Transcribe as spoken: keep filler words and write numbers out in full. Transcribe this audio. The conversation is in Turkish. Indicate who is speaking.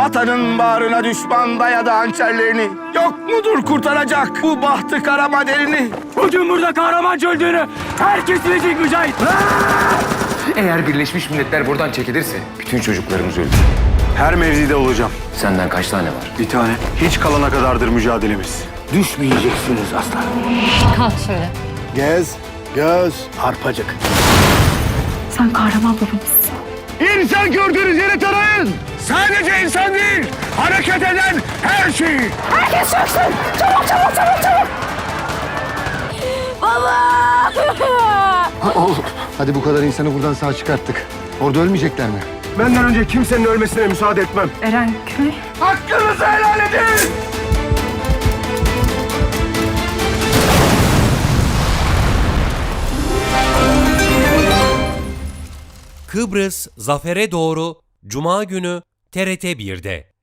Speaker 1: Vatanın bağrına düşman dayadı hançerlerini. Yok mudur kurtaracak bu bahtı kara maderini?
Speaker 2: Bugün burada kahramanca öldüğünü herkes bilecek Mücahit.
Speaker 3: Eğer Birleşmiş Milletler buradan çekilirse bütün çocuklarımız ölür.
Speaker 4: Her mevzide olacağım.
Speaker 3: Senden kaç tane var?
Speaker 4: Bir tane. Hiç kalana kadardır mücadelemiz.
Speaker 1: Düşmeyeceksiniz aslan.
Speaker 5: Kalk şöyle.
Speaker 4: Gez, göz, arpacık.
Speaker 5: Sen kahraman babamızsın.
Speaker 1: İnsan gördüğünüz yeri tarayın. Sadece insan değil, hareket eden her şey.
Speaker 5: Herkes çöksün. Çabuk çabuk çabuk çabuk. Baba!
Speaker 6: Oğlum, hadi bu kadar insanı buradan sağ çıkarttık. Orada ölmeyecekler mi?
Speaker 4: Benden önce kimsenin ölmesine müsaade etmem.
Speaker 5: Eren köy.
Speaker 1: Hakkınızı helal edin.
Speaker 7: Kıbrıs Zafer'e doğru Cuma günü T R T bir'de.